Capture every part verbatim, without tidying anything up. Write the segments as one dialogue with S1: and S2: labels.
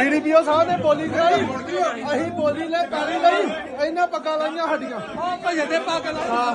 S1: DDPO ਸਾਹਿਬ ਨੇ ਬੋਲੀ ਕਰਾਈ, ਅਸੀਂ ਬੋਲੀ ਲੈ ਪੈਰੀ ਲਈ, ਇਹਨਾਂ ਪੱਗਾਂ ਲਾਈਆਂ ਸਾਡੀਆਂ ਭਜੇ ਦੇ ਪੱਗ ਲਾ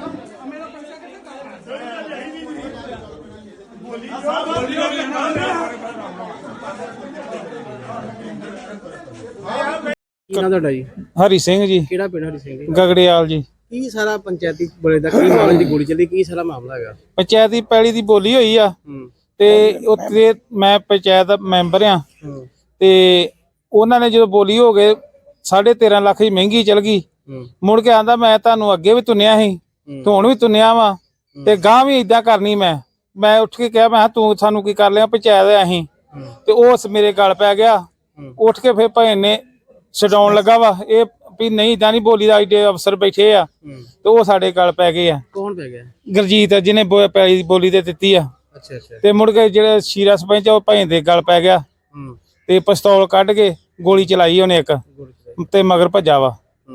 S2: ਕੀ ਨਾਮ ਤੁਹਾਡਾ ਜੀ?
S3: ਹਰੀ ਸਿੰਘ ਜੀ।
S2: ਕਿਹੜਾ ਪਿੰਡ ਹਰੀ ਸਿੰਘ ਜੀ?
S3: ਗਗੜਿਆਲ ਜੀ।
S2: ਕੀ ਸਾਰਾ ਪੰਚਾਇਤੀ ਬੋਲੇ ਦਾ ਕੀ ਮਾਮਲੇ ਦੀ ਗੋਲੀ ਚੱਲੀ, ਕੀ ਸਾਰਾ ਮਾਮਲਾ ਹੈਗਾ?
S3: ਪੰਚਾਇਤੀ ਪੈਲੀ ਦੀ ਬੋਲੀ ਹੋਈ ਆ ਤੇ ਉੱਥੇ ਮੈਂ ਪੰਚਾਇਤ ਦਾ ਮੈਂਬਰ ਆ ਤੇ ਉਹਨਾਂ ਨੇ ਜਦੋਂ ਬੋਲੀ ਹੋ ਗਏ ਸਾਢੇ ਤੇਰਾਂ ਲੱਖ ਦੀ ਮਹਿੰਗੀ ਚਲ ਗਈ। ਮੁੜ ਕੇ ਆਂਦਾ ਮੈਂ ਤੁਹਾਨੂੰ ਅੱਗੇ ਵੀ ਤੁੰਨਿਆ ਸੀ, ਤੂੰ ਹੁਣ ਵੀ ਤੁੰਨਿਆ ਵਾ ਤੇ ਗਾਂ ਵੀ ਏਦਾਂ ਕਰਨੀ। ਮੈਂ ਮੈਂ ਉੱਠ ਕੇ ਕਿਹਾ ਮੈਂ ਤੂੰ ਸਾਨੂੰ ਕੀ ਕਰ ਲਿਆ, ਪੰਚਾਇਤ ਅਸੀਂ ਤੇ ਉਸ ਮੇਰੇ ਗਲ ਪੈ ਗਿਆ। ਉੱਠ ਕੇ ਫਿਰ ਭੈਣ ਨੇ ਛਡਾਉਣ ਲੱਗਾ ਵਾ ਇਹ ਵੀ ਨਹੀਂ ਇਦਾਂ ਨਹੀਂ ਬੋਲੀ ਦਾ, ਏਡੇ ਅਫਸਰ ਬੈਠੇ ਆ ਤੇ ਉਹ ਸਾਡੇ ਗਲ ਪੈ ਗਏ ਆ।
S2: ਕੌਣ ਪੈ ਗਿਆ?
S3: ਗੁਰਜੀਤ ਜਿਹਨੇ ਪੈਲੀ ਦੀ ਬੋਲੀ ਤੇ ਦਿੱਤੀ ਆ।
S2: ਅੱਛਾ ਅੱਛਾ।
S3: ਤੇ ਮੁੜ ਕੇ ਜਿਹੜੇ ਸ਼ੀਰਾ ਸਰਪੰਚ ਉਹ ਭੈਣ ਦੇ ਗਲ ਪੈ ਗਿਆ ਤੇ ਪਿਸਤੌਲ ਕੱਢ ਕੇ ਗੋਲੀ ਚਲਾਈ ਉਹਨੇ ਇੱਕ ਤੇ ਮਗਰ ਭੱਜਾ ਵਾ।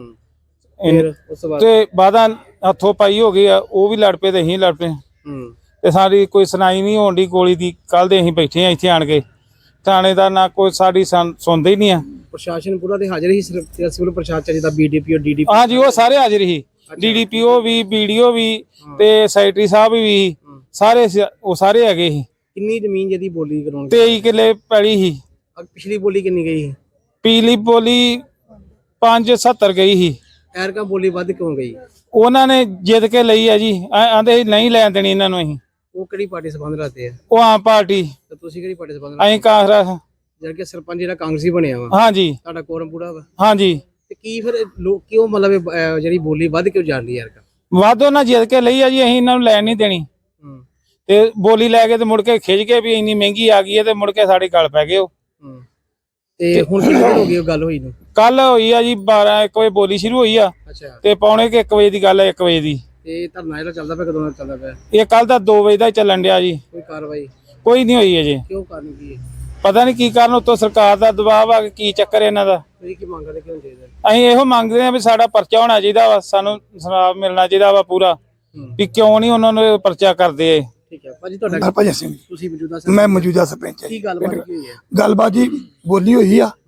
S3: ਤੇ ਬਾਦਾਂ ਹੱਥੋਂ ਪਾਈ ਹੋ ਗਈ ਆ, ਉਹ ਵੀ ਲੜ ਪਏ ਤੇ ਅਸੀਂ ਲੜ ਪਏ ਤੇ ਸਾਡੀ ਕੋਈ ਸੁਣਾਈ ਨਹੀਂ ਹੋਣ ਦੀ ਗੋਲੀ ਦੀ। ਕੱਲ ਦੇ ਅਸੀਂ ਬੈਠੇ ਆ ਇੱਥੇ ਆਣ ਕੇ, ਥਾਣੇਦਾਰ ਨਾ ਕੋਈ ਸਾਡੀ ਸੁਣਦੇ ਹੀ ਨਹੀਂ ਆ।
S2: ਪ੍ਰਸ਼ਾਸਨ ਪੂਰਾ ਤੇ ਹਾਜ਼ਰ ਹੀ, ਸਿਵਲ ਪ੍ਰਸ਼ਾਸਨ ਜਿਹਦਾ ਬੀਡੀਪੀਓ ਡੀਡੀਪੀ
S3: ਹਾਂਜੀ ਉਹ ਸਾਰੇ ਹਾਜ਼ਰ ਹੀ, ਡੀਡੀਪੀਓ ਵੀ ਬੀਡੀਓ ਵੀ ਤੇ ਸੈਕਟਰੀ ਸਾਹਿਬ ਵੀ ਸਾਰੇ ਉਹ ਸਾਰੇ ਹੈਗੇ ਸੀ।
S2: ਕਿੰਨੀ ਜ਼ਮੀਨ ਜਿਹਦੀ ਬੋਲੀ ਕਰਾਉਣ?
S3: ਤੇਈ ਕਿੱਲੇ ਪੈਲੀ ਸੀ।
S2: ਪਿਛਲੀ ਬੋਲੀ ਕਿੰਨੀ ਗਈ ਸੀ?
S3: ਪਿਛਲੀ ਬੋਲੀ ਪੰਜ ਸੱਤਰ ਗਈ ਸੀ।
S2: ਐਰਕਾ ਬੋਲੀ ਵੱਧ ਕਿਉਂ ਗਈ?
S3: ਉਹਨਾਂ ਨੇ ਜਿੱਦ ਕੇ ਲਈ ਆ ਜੀ, ਆਂਦੇ ਨਹੀਂ ਲੈਣ ਦੇਣੀ ਇਹਨਾਂ ਨੂੰ। ਅਸੀਂ
S2: ਉਹ ਕਿਹੜੀ ਪਾਰਟੀ ਸੰਬੰਧ ਰੱਖਦੇ ਆ?
S3: ਉਹ ਆਮ ਪਾਰਟੀ।
S2: ਤੇ ਤੁਸੀਂ ਕਿਹੜੀ ਪਾਰਟੀ ਸੰਬੰਧ?
S3: ਅਸੀਂ ਕਾਂਗਰਸ।
S2: ਜਦ ਕਿ ਸਰਪੰਚ ਜਿਹੜਾ ਕਾਂਗਰਸੀ ਬਣਿਆ ਵਾ।
S3: ਹਾਂਜੀ।
S2: ਤੁਹਾਡਾ ਕੋਰਮ ਪੂਰਾ ਵਾ?
S3: ਹਾਂਜੀ।
S2: ਤੇ ਕੀ ਫਿਰ ਲੋਕ ਕਿਉਂ ਮਤਲਬ ਜਿਹੜੀ ਬੋਲੀ ਵੱਧ ਕਿਉਂ ਜਾਂਦੀ ਯਾਰ?
S3: ਵੱਧ ਉਹਨਾਂ ਜਿੱਦ ਕੇ ਲਈ ਆ ਜੀ, ਅਸੀਂ ਇਹਨਾਂ ਨੂੰ ਲੈਣ ਨਹੀਂ ਦੇਣੀ ਤੇ ਬੋਲੀ ਲੈ ਕੇ ਤੇ ਮੁੜ ਕੇ ਖਿੱਚ ਕੇ ਵੀ ਇੰਨੀ ਮਹਿੰਗੀ ਆ ਗਈ ਹੈ ਤੇ ਮੁੜ ਕੇ ਸਾਡੇ ਗਲ ਪੈ ਗਏ ਉਹ।
S2: ਤੇ ਹੁਣ ਕਿੰਨੇ ਦਿਨ ਹੋ ਗਏ ਉਹ ਗੱਲ ਹੋਈ ਨੂੰ?
S3: ਕੱਲ ਹੋਈ ਆ ਜੀ ਬਾਰਾਂ ਇੱਕ ਵਜੇ ਬੋਲੀ ਸ਼ੁਰੂ ਹੋਈ ਆ ਤੇ ਪੌਣੇ ਕਿ ਇੱਕ ਵਜੇ ਦੀ ਗੱਲ ਹੈ, ਇੱਕ ਵਜੇ ਦੀ।
S2: ਤੇ ਧਰਨਾ ਜਿਹੜਾ ਚੱਲਦਾ ਪਿਆ ਕਦੋਂ ਦਾ ਚੱਲਦਾ ਪਿਆ?
S3: ਇਹ ਕੱਲ ਦਾ ਦੋ ਵਜੇ ਦਾ ਚੱਲਣ ਡਿਆ ਜੀ।
S2: ਕੋਈ ਕਾਰਵਾਈ
S3: ਕੋਈ ਨਹੀਂ ਹੋਈ ਅਜੇ।
S2: ਕਿਉਂ ਕਾਰਨ ਕੀ ਹੈ?
S3: ਪਤਾ ਨਹੀਂ ਕੀ ਕਾਰਨ, ਉੱਤੋਂ ਸਰਕਾਰ ਦਾ ਦਬਾਅ ਆ, ਕੀ ਚੱਕਰ ਇਹਨਾਂ ਦਾ।
S2: ਤੁਸੀਂ ਕੀ ਮੰਗਦੇ ਕਿਉਂ ਚਾਹੀਦਾ?
S3: ਅਸੀਂ ਇਹੋ ਮੰਗਦੇ ਆ ਵੀ ਸਾਡਾ ਪਰਚਾ ਹੋਣਾ ਚਾਹੀਦਾ ਵਾ, ਸਾਨੂੰ ਇਨਸਾਫ ਮਿਲਣਾ ਚਾਹੀਦਾ ਵਾ ਪੂਰਾ, ਵੀ ਕਿਉਂ ਨਹੀਂ ਉਹਨਾਂ ਨੂੰ ਪਰਚਾ ਕਰਦੇ।
S2: ਠੀਕ ਹੈ ਭਾਜੀ, ਤੁਹਾਡਾ
S4: ਹਰਭਜਨ ਸਿੰਘ
S2: ਤੁਸੀਂ ਮੌਜੂਦਾ
S4: ਮੈਂ ਮੌਜੂਦਾ ਸਰਪੰਚ ਹਾਂ।
S2: ਕੀ ਗੱਲਬਾਤ ਕੀ ਹੋਈ ਹੈ?
S4: ਗੱਲਬਾਤ ਜੀ ਬੋਲੀ ਹੋਈ ਆ,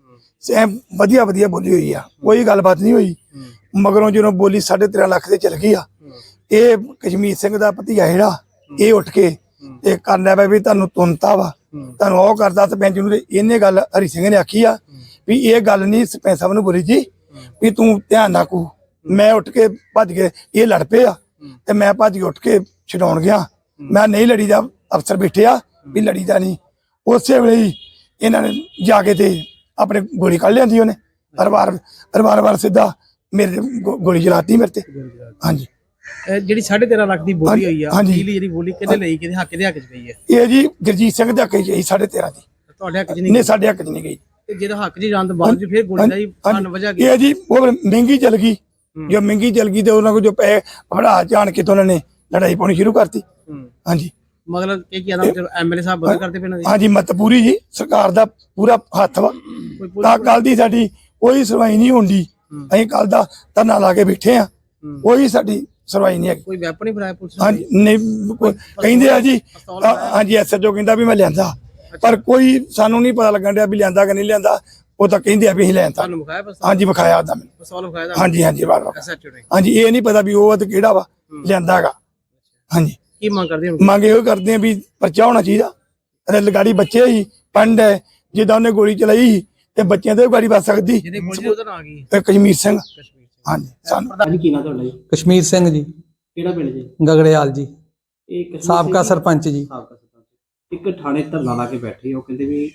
S4: ਵਧੀਆ ਵਧੀਆ ਬੋਲੀ ਹੋਈ ਆ, ਕੋਈ ਗੱਲਬਾਤ ਨਹੀਂ ਹੋਈ। ਮਗਰੋਂ ਜਦੋਂ ਬੋਲੀ ਸਾਢੇ ਤੇਰਾਂ ਲੱਖ ਦੇ ਚਲ ਗਈ ਆ, ਇਹ ਕਸ਼ਮੀਰ ਸਿੰਘ ਦਾ ਭਤੀਆ ਜਿਹੜਾ ਇਹ ਉੱਠ ਕੇ ਤੇ ਕਰਨਾ ਪਿਆ ਵੀ ਤੁਹਾਨੂੰ ਤੁੰਨਤਾ ਵਾ, ਤੁਹਾਨੂੰ ਉਹ ਕਰਦਾ ਸਰਪੰਚ ਨੂੰ। ਇਹਨੇ ਗੱਲ ਹਰੀ ਸਿੰਘ ਨੇ ਆਖੀ ਆ ਵੀ ਇਹ ਗੱਲ ਨਹੀਂ ਸਰਪੰਚ ਸਾਹਿਬ ਨੂੰ ਬੋਲੀ ਜੀ ਵੀ ਤੂੰ ਧਿਆਨ ਨਾ ਕੂ। ਮੈਂ ਉੱਠ ਕੇ ਭੱਜ ਕੇ ਇਹ ਲੜ ਪਏ ਆ ਤੇ ਮੈਂ ਭੱਜ ਕੇ ਉੱਠ ਕੇ ਛਡਾਉਣ ਗਿਆ। ਮੈਂ ਨਹੀਂ ਲੜੀ ਦਾ, ਅਫਸਰ ਬੈਠੇ ਆ ਵੀ ਲੜੀ ਦਾ ਨਹੀਂ। ਉਸੇ ਵੇਲੇ ਹੀ ਇਹਨਾਂ ਨੇ ਜਾ ਕੇ ਤੇ ਆਪਣੇ ਗੋਲੀ ਕੱਢ ਲਿਆਂਦੀ ਉਹਨੇ, ਪਰਿਵਾਰ ਪਰਿਵਾਰ ਵਾਰ ਸਿੱਧਾ ਮੇਰੇ ਗੋਲੀ ਚਲਾਤੀ ਮੇਰੇ ਤੇ। ਹਾਂਜੀ।
S2: ਜਿਹੜੀ ਸਾਢੇ ਤੇਰਾਂ ਲੱਖ ਦੀ ਬੋਲੀ ਹੋਈ ਆ,
S4: ਹਾਂਜੀ,
S2: ਜਿਹੜੀ ਬੋਲੀ ਕਿਹਦੇ ਲਈ, ਕਿਹਦੇ ਹੱਕ ਦੇ ਹੱਕ ਚ ਗਈ ਹੈ?
S4: ਇਹ ਜੀ ਗੁਰਜੀਤ ਸਿੰਘ ਦੇ ਹੱਕ ਚ ਗਈ ਸਾਢੇ ਤੇਰਾਂ ਦੀ।
S2: ਤੁਹਾਡੇ ਹੱਕ ਚ ਨਹੀਂ?
S4: ਨਹੀਂ ਸਾਡੇ ਹੱਕ ਚ ਨਹੀਂ ਗਈ।
S2: ਤੇ ਜਿਹੜਾ ਹੱਕ ਚ ਜਾਣ ਤੋਂ ਬਾਅਦ ਫਿਰ ਗੋਲੀ ਦਾ ਹੀ ਕਾਰਨ ਵਜ੍ਹਾ ਕੀ?
S4: ਇਹ ਜੀ ਉਹ ਮਹਿੰਗੀ ਚੱਲ ਗਈ, ਜੋ ਮਹਿੰਗੀ ਚੱਲ ਗਈ ਤੇ ਉਹਨਾਂ ਕੋਲ ਜੋ ਪੈਸੇ ਫੜਾ ਜਾਣ ਕੇ ਤੇ ਉਹਨਾਂ ਨੇ ਲੜਾਈ ਪਾਉਣੀ ਸ਼ੁਰੂ ਕਰਤੀ। ਹਾਂਜੀ।
S2: ਮਤਲਬ ਕੀ ਕੀ ਆਦਮ ਐਮਐਲਏ ਸਾਹਿਬ ਬੰਦ ਕਰਦੇ ਪਏ ਨੇ?
S4: ਹਾਂਜੀ, ਮਤ ਪੂਰੀ ਜੀ ਸਰਕਾਰ ਦਾ ਪੂਰਾ ਹੱਥ ਵਾ। ਤਾਂ ਕੱਲ ਦੀ ਸਾਡੀ ਕੋਈ ਸੁਣਵਾਈ ਨਹੀਂ ਹੁੰਦੀ। ਅਸੀਂ ਕੱਲ ਦਾ ਧਰਨਾ ਲਾ ਕੇ ਬੈਠੇ ਆ, ਕੋਈ ਸਾਡੀ ਸੁਣਵਾਈ ਨਹੀਂ ਹੈ।
S2: ਕੋਈ ਵੈਪਨ ਨਹੀਂ ਫੜਾਇਆ ਪੁਲਿਸ ਨੇ?
S4: ਹਾਂਜੀ ਨਹੀਂ ਕਹਿੰਦੇ ਆ ਜੀ। ਹਾਂਜੀ ਐਸਐਚਓ ਕਹਿੰਦਾ ਵੀ ਮੈਂ ਲਿਆਂਦਾ, ਪਰ ਕੋਈ ਸਾਨੂੰ ਨਹੀਂ ਪਤਾ ਲੱਗਣ ਡਿਆ ਵੀ ਲਿਆਂਦਾ ਕਿ ਨਹੀਂ ਲਿਆਂਦਾ। ਉਹ ਤਾਂ ਕਹਿੰਦੇ ਆ ਵੀ ਅਸੀਂ ਲਿਆਂਦਾ।
S2: ਤੁਹਾਨੂੰ ਵਿਖਾਇਆ ਪਿਸਤੌਲ?
S4: ਹਾਂਜੀ ਵਿਖਾਇਆ ਉਹਦਾ ਮੈਨੂੰ
S2: ਪਿਸਤੌਲ ਵਿਖਾਇਆ? ਹਾਂਜੀ
S4: ਹਾਂਜੀ ਵਾਰ ਵਾਰ।
S2: ਐਸਐਚਓ ਨੇ?
S4: ਹਾਂਜੀ, ਇਹ ਨਹੀਂ ਪਤਾ ਵੀ ਉਹ ਤੇ ਕਿਹੜਾ ਵਾ ਲਿਆਂਦਾ ਹੈਗਾ। ਹਾਂਜੀ।
S2: ਕੀ ਮੰਗ ਕਰਦੇ ਹੋ?
S4: ਮੰਗ ਇਹੋ ਕਰਦੇ ਆ ਵੀ ਪਰਚਾ ਹੋਣਾ ਚਾਹੀਦਾ। ਰੈਲਗਾੜੀ ਬੱਚੇ ਹੀ ਪੰਡ ਹੈ, ਜਿੱਦਾਂ ਉਹਨੇ ਗੋਲੀ ਚਲਾਈ ਤੇ ਬੱਚਿਆਂ ਤੇ ਗਾੜੀ ਵੱਜ ਸਕਦੀ।
S2: ਜਿਹਦੇ ਗੋਲੀ ਉਹਦਾ ਨਾਂ ਕੀ?
S4: ਕਸ਼ਮੀਰ ਸਿੰਘ। ਹਾਂਜੀ। ਸਾਨੂੰ
S2: ਕੀ ਨਾਂ ਤੁਹਾਡਾ ਜੀ?
S5: ਕਸ਼ਮੀਰ ਸਿੰਘ ਜੀ।
S2: ਕਿਹੜਾ ਪਿੰਡ ਜੀ?
S5: ਗਗੜਿਆਲ ਜੀ।
S2: ਇਹ
S5: ਸਾਬਕਾ ਸਰਪੰਚ ਜੀ।
S2: ਸਾਬਕਾ ਸਰਪੰਚ। ਇੱਕ ਥਾਣੇ ਧਰਨਾ ਲਾ ਕੇ ਬੈਠੇ, ਉਹ ਕਹਿੰਦੇ ਵੀ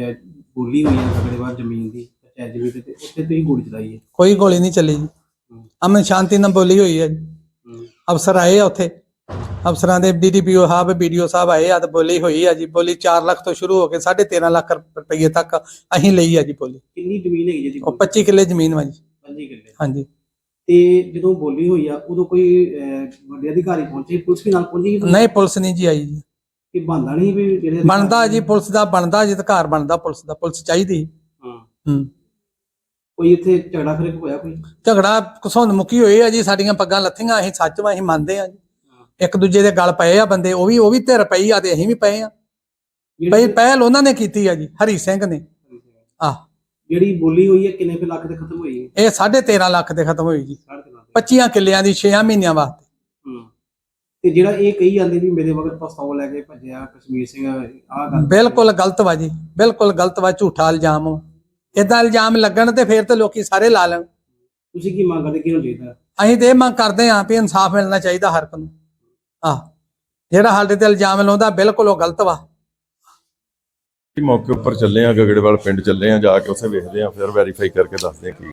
S2: ਬੋਲੀ ਹੋਈ ਹੈ ਸਾਡੇ ਬਾਹਰ ਜ਼ਮੀਨ ਦੀ, ਪੰਚਾਇਤ ਜ਼ਮੀਨ ਤੇ, ਉੱਥੇ ਤੁਸੀਂ ਗੋਲੀ ਚਲਾਈ ਹੈ।
S5: ਕੋਈ ਗੋਲੀ ਨਹੀਂ ਚੱਲੀ ਜੀ, ਅਮਨ ਸ਼ਾਂਤੀ ਨਾਲ ਬੋਲੀ ਹੋਈ ਹੈ। ਅਫਸਰ ਆਏ ਆ ਉੱਥੇ, ਅਫਸਰਾਂ ਦੇ ਡੀਡੀਪੀਓ ਸਾਹਿਬ ਬੀਡੀਓ ਸਾਹਿਬ ਆਏ ਆ ਤੇ ਬੋਲੀ ਹੋਈ ਆ ਜੀ। ਬੋਲੀ ਚਾਰ ਲੱਖ ਤੋਂ ਸ਼ੁਰੂ ਹੋ ਕੇ ਸਾਢੇ ਤੇਰਾਂ ਲੱਖ ਰੁਪਏ ਤੱਕ ਅਸੀਂ ਲਈ ਆ ਜੀ ਬੋਲੀ।
S2: ਕਿੰਨੀ ਜ਼ਮੀਨ ਹੈਗੀ ਜੀ?
S5: ਉਹ ਪੱਚੀ ਕਿੱਲੇ ਜ਼ਮੀਨ ਵਾ ਜੀ।
S2: ਪੱਚੀ ਕਿੱਲੇ?
S5: ਹਾਂਜੀ।
S2: ਤੇ ਜਦੋਂ ਬੋਲੀ ਹੋਈ ਆ ਉਦੋਂ ਕੋਈ ਵੱਡੇ ਅਧਿਕਾਰੀ ਪਹੁੰਚੇ, ਪੁਲਿਸ ਵੀ ਨਾਲ ਪਹੁੰਚੀ?
S5: ਨਹੀਂ ਪੁਲਿਸ ਨਹੀਂ ਜੀ ਆਈ ਜੀ।
S2: ਕਿ ਬਣਦਾ ਨਹੀਂ ਵੀ ਜਿਹੜੇ
S5: ਬਣਦਾ ਜੀ, ਪੁਲਿਸ ਦਾ ਬਣਦਾ ਜੀ, ਅਧਿਕਾਰ ਬਣਦਾ ਪੁਲਿਸ ਦਾ, ਪੁਲਿਸ ਚਾਹੀਦੀ।
S2: ਹਾਂ।
S5: ਹੂੰ।
S2: ਕੋਈ ਇੱਥੇ ਝਗੜਾ ਫਿਰ ਹੋਇਆ? ਕੋਈ
S5: ਝਗੜਾ ਘਸੁੰਦ ਮੁੱਕੀ ਹੋਈ ਆ ਜੀ, ਸਾਡੀਆਂ ਪੱਗਾਂ ਲੱਥੀਆਂ, ਅਸੀਂ ਸੱਚ ਵਾ, ਅਸੀਂ ਮੰਨਦੇ ਆ ਜੀ। ਇੱਕ ਦੂਜੇ ਦੇ ਗਲ ਪਏ ਆ ਬੰਦੇ, ਉਹ ਵੀ ਉਹ ਵੀ ਧਿਰ ਪਈ ਆ ਤੇ ਅਸੀਂ ਵੀ ਪਏ ਆ। ਬਈ ਪਹਿਲ ਉਹਨਾਂ ਨੇ ਕੀਤੀ ਆ ਜੀ, ਹਰੀ ਸਿੰਘ ਨੇ। ਆ
S2: ਜਿਹੜੀ ਬੋਲੀ ਹੋਈ ਹੈ ਕਿੰਨੇ ਕੁ ਲੱਖ ਤੇ ਖਤਮ ਹੋਈ ਹੈ?
S5: ਇਹ ਸਾਢੇ ਤੇਰਾਂ ਲੱਖ ਦੇ ਖਤਮ ਹੋਈ ਜੀ,
S2: ਸਾਢੇ ਤਿੰਨ ਲੱਖ।
S5: ਪੱਚੀਆਂ ਕਿੱਲਿਆਂ ਦੀ ਛੇ ਮਹੀਨਿਆਂ ਵਾਸਤੇ।
S2: ਹੂੰ। ਤੇ ਜਿਹੜਾ ਇਹ ਕਹੀ ਜਾਂਦੇ ਵੀ ਮੇਰੇ ਮਗਰ ਪਿਸਤੌਲ ਲੈ ਕੇ ਭੱਜਿਆ ਕਸ਼ਮੀਰ ਸਿੰਘ, ਆਹ ਗੱਲ
S5: ਬਿਲਕੁਲ ਗਲਤ ਵਾ ਜੀ, ਬਿਲਕੁਲ ਗਲਤ ਵਾ, ਝੂਠਾ ਇਲਜ਼ਾਮ ਵਾ। ਏਦਾਂ ਇਲਜ਼ਾਮ ਲੱਗਣ ਤੇ ਫਿਰ ਤੇ ਲੋਕੀ ਸਾਰੇ ਲਾ ਲੈਣ।
S2: ਤੁਸੀਂ ਕੀ ਮੰਗ ਕਰਦੇ, ਕੀ ਹੋਣਾ ਚਾਹੀਦਾ?
S5: ਅਸੀਂ ਤੇ ਇਹ ਮੰਗ ਕਰਦੇ ਹਾਂ ਵੀ ਇਨਸਾਫ ਮਿਲਣਾ ਚਾਹੀਦਾ ਹਰ ਇੱਕ ਨੂੰ। ਆਹ ਜਿਹੜਾ ਸਾਡੇ ਤੇ ਇਲਜ਼ਾਮ ਲਾਉਂਦਾ ਬਿਲਕੁਲ ਉਹ ਗਲਤ ਵਾ।
S6: ਮੌਕੇ ਉੱਪਰ ਚੱਲੇ ਆ, ਗਗੜੇਵਾਲ ਪਿੰਡ ਚੱਲੇ ਆ, ਜਾ ਕੇ ਉੱਥੇ ਵੇਖਦੇ ਆ, ਫਿਰ ਵੈਰੀਫਾਈ ਕਰਕੇ ਦੱਸਦੇ ਆ ਕੀ